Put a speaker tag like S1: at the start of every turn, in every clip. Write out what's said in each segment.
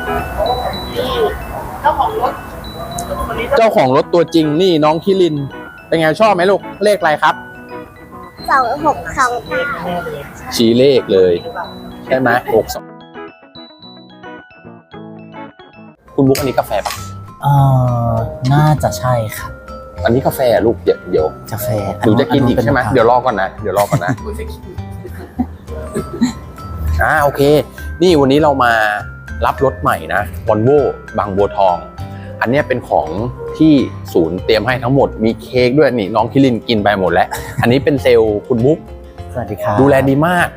S1: นี่เจ้าของรถคนนี้
S2: เจ้าของรถตัวจริงนี่น้องคิรินเป็นไงชอบไหมลูกเลขอะไรครับ
S3: 2628
S2: ชี้เลขเลยใช่ไหม62คุณบุ๊กอันนี้กาแฟปะ
S4: น่าจะใช่ครับ
S2: อันนี้กาแฟลูกเดี๋ยว
S4: กาแฟ
S2: หนูจะกินอีกใช่ไหมเดี๋ยวรอก่อนนะโอเคนี่วันนี้เรามารับรถใหม่นะวอลโว่บางบัวทองอันนี้เป็นของที่ศูนย์เตรียมให้ทั้งหมดมีเค้กด้วยนี่น้องคิรินกินไปหมดแล้วอันนี้เป็นเซลล์คุณบุ๊ก
S4: สวัสดีครับ
S2: ดูแลดีมาก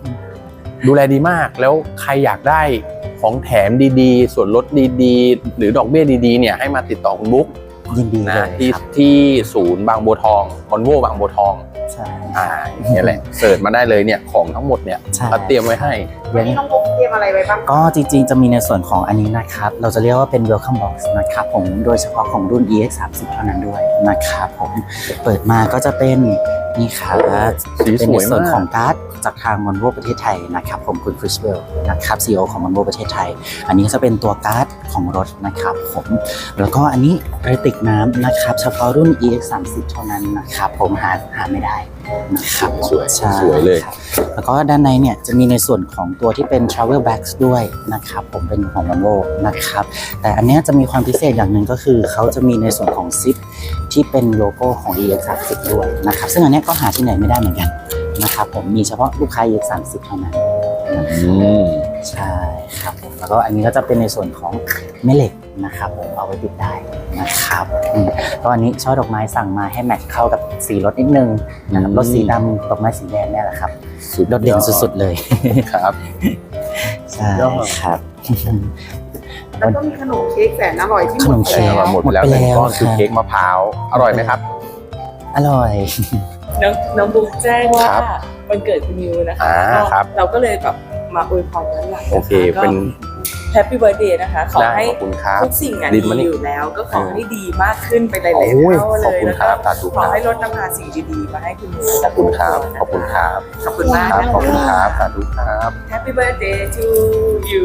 S2: แล้วใครอยากได้ของแถมดีๆส่วนลดดีๆหรือดอกเบี้ยดีๆเนี่ยให้มาติดต่อคุณบุ๊ก
S4: ยินดีเล
S2: นะ
S4: ยครับ
S2: ที่ศูนย์บางบัวทองวอลโว่บางบัวทอง
S4: ใช่
S2: นี่แหละเสิร์ชมาได้เลยเนี่ยของทั้งหมดเนี่ย
S4: ใช่
S2: เราเตรียมไว้ให้
S1: วันนี้น้องบุ๊กเตรียมอะไรไว้บ้าง
S4: ก็จริงๆจะมีในส่วนของอันนี้นะครับเราจะเรียกว่าเป็น welcome box นะครับผมโดยเฉพาะของรุ่น EX30 เท่านั้นด้วยนะครับผมเปิดมาก็จะเป็นนี่ครับ
S2: สีสวยมาก
S4: เป็นในส่วนของการ์ดจากทาง Volvo ประเทศไทยนะครับผมคุณคริสเวลนะครับ CEO ของ Volvo ประเทศไทยอันนี้จะเป็นตัวการ์ดของรถนะครับผมแล้วก็อันนี้กระติกน้ำนะครับเฉพาะรุ่น EX30 เท่านั้นนะครับผมหาไม่ได้นะครับ
S2: สวย
S4: ใช่
S2: สวยเลย
S4: ครับแล้วก็ด้านในเนี่ยจะมีในส่วนของตัวที่เป็น travel bags ด้วยนะครับผมเป็นของ Volvo นะครับแต่อันเนี้ยจะมีความพิเศษอย่างหนึ่งก็คือเขาจะมีในส่วนของซิปที่เป็นโลโก้ของ EX30 ด้วยนะครับซึ่งอันเนี้ยก็หาที่ไหนไม่ได้เหมือนกันนะครับผมมีเฉพาะลูกค้า EX30 เท่านั้นใช่ครับผมแล้วก็อันนี้ก็จะเป็นในส่วนของแม่เหล็กนะครับผมเอาไว้ติดได้นะครับก็อันนี้ช่อดอกไม้สั่งมาให้แมทช์เข้ากับสีรถนิดนึงนะครับรถสีดำดอกไม้สีแดงเนี่ยแหละครับโดดเด่นสุดๆเลย
S2: ครับ
S4: ใช่ครับ
S1: แล้วก็มีขนมเค้กแสนอร่อยที่ห
S4: ข
S1: ม
S4: น
S1: ด
S4: ม
S1: ไป
S4: เค้ก
S1: แล้ว
S2: หมดไปแล้ว
S4: หมดไปแล้ว
S2: ก็คือ
S4: ครับ
S2: เค้กมะพร้าวอร่อยไหมครับ
S4: อร่อย
S5: น้องบุ๊กแจ้งว่า
S2: ครับ
S5: วันเกิดคุณนิวนะคะ
S2: ครับ
S5: เราก็เลยแบบมาอวยพรย้อนหลังนะคะ
S2: โอเคเป็น
S5: แฮปปี้เบิร์ดเดย์นะคะขอ
S2: ได้
S5: ให้
S2: ขอบคุณครับ
S5: ทุกสิ่งอ่ะ
S2: ลิ้
S5: ดี
S2: นมานี่
S5: อยู่แล้ว ก็ขอให้ดีมากขึ้นไปหลายๆ
S2: โอ้ย
S5: เท่า
S2: ข
S5: เล
S2: อบ
S5: ย
S2: คุณ
S5: แล้ว
S2: ครั
S5: ก็
S2: บสาธุ
S5: ขอ
S2: ครับ
S5: ให้รถนำพาสิ่งดีๆมาให้คุณนิว
S2: ขอบคุณครับขอบคุณครับ
S5: ขอบคุณมาก
S2: ครับ
S5: นะ
S2: ขอบคุณ
S5: คะ
S2: ครับสาธุครับ
S5: แฮปปี้เบิร์ดเดย์to you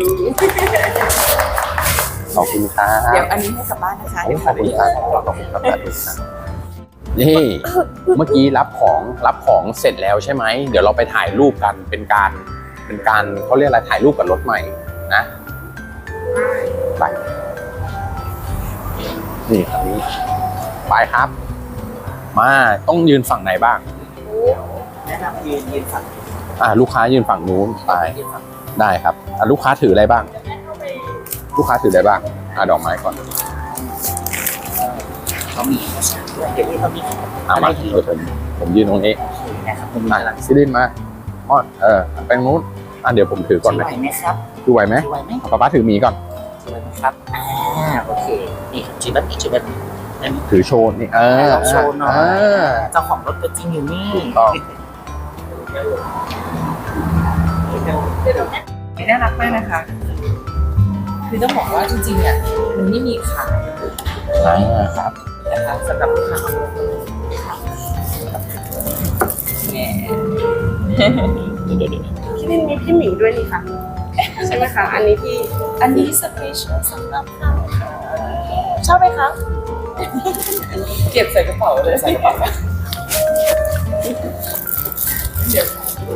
S2: ขอบคุณครับ
S5: เดี๋ยวอันนี้ให้กลับบ้านนะคะ
S2: ขอบคุณครับขอบคุณครับสาธุครับนี่เมื่อกี้รับของเสร็จแล้วใช่ไหมเดี๋ยวเราไปถ่ายรูปกันเป็นการเขาเรียกอะไรถ่ายรูปกับรถใหม่นะไปนี่ครับนี้ไปครับ มาต้องยืนฝั่งไหนบ้าง
S4: แนะนำยืนฝั่ง
S2: ลูกค้ายืนฝั่งนู้นไปได้ครับลูกค้าถืออะไรบ้าง ลูกค้าถืออะไรบ้างดอกไม้ก่อน
S4: เขามีเดี๋ยวนี้เขามี
S2: มาผมยืนตรงนี้
S4: นะครับผม
S2: ซิลินมาไปตรงนู้นเดี๋ยวผมถือก่อน
S4: ไห
S2: นะ
S4: วไหมครับ
S2: ดูไหวไหม
S4: ไหวไหม
S2: ป๊าถูหมีก่อน
S4: ไหวไหมครับโอเคนี่ถือแบบนี้ถือแบบนี้
S2: ถือโชว์นี่
S4: ลองโชว์หน่อยเจ้าของรถตัวจริงอยู่นี่
S2: ต้อง
S5: น่ารักมากนะคะ คือต้องบอกว่าจริงๆอ่ะมันไม่มีขาย
S2: ครับ
S5: นะคะสำหรับลูกค้าแหม
S2: เดี๋ยว
S1: ที่นี่มีพี่หมิงด้วยนี่ค่ะใช่ไหมคะอันนี้ที่
S5: อันนี้สเปเชียลสำหรับเราค่ะชอบไหมคะ เก็บใส่กระเป๋าเลยใส่กระเป๋าเดี๋ยว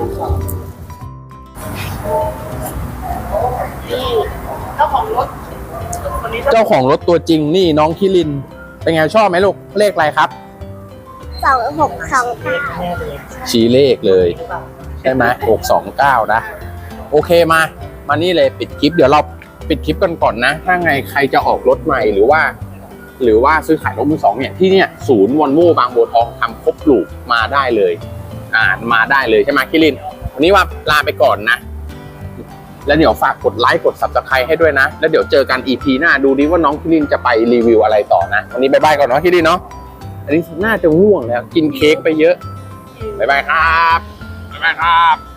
S1: นี่เจ้าของรถคนนี้
S2: เจ้าของรถตัวจริงนี่น้องคิรินเป็นไงชอบไหมลูกเลขอะไรครับ
S3: 2628
S2: ชี้เลขเลยใช่ไหม629นะโอเคมานี่เลยปิดคลิปเดี๋ยวเราปิดคลิปกันก่อนนะถ้าไงใครจะออกรถใหม่หรือว่าซื้อขายรถมือสองเนี่ยที่เนี่ยศูนย์วอลโว่บางบัวทองทำครบลูกมาได้เลยมาได้เลยใช่ไหมคิรินวันนี้ว่าลาไปก่อนนะแล้วเดี๋ยวฝากกดไลค์กด Subscribe ให้ด้วยนะแล้วเดี๋ยวเจอกัน EP หน้าดูดิว่าน้องคิรินจะไปรีวิวอะไรต่อนะวันนี้บ๊ายบายก่อนเนาะคิรินเนาะอันนี้น่าจะง่วงแล้วกินเค้กไปเยอะบ๊ายบายครับบ๊ายบายครับ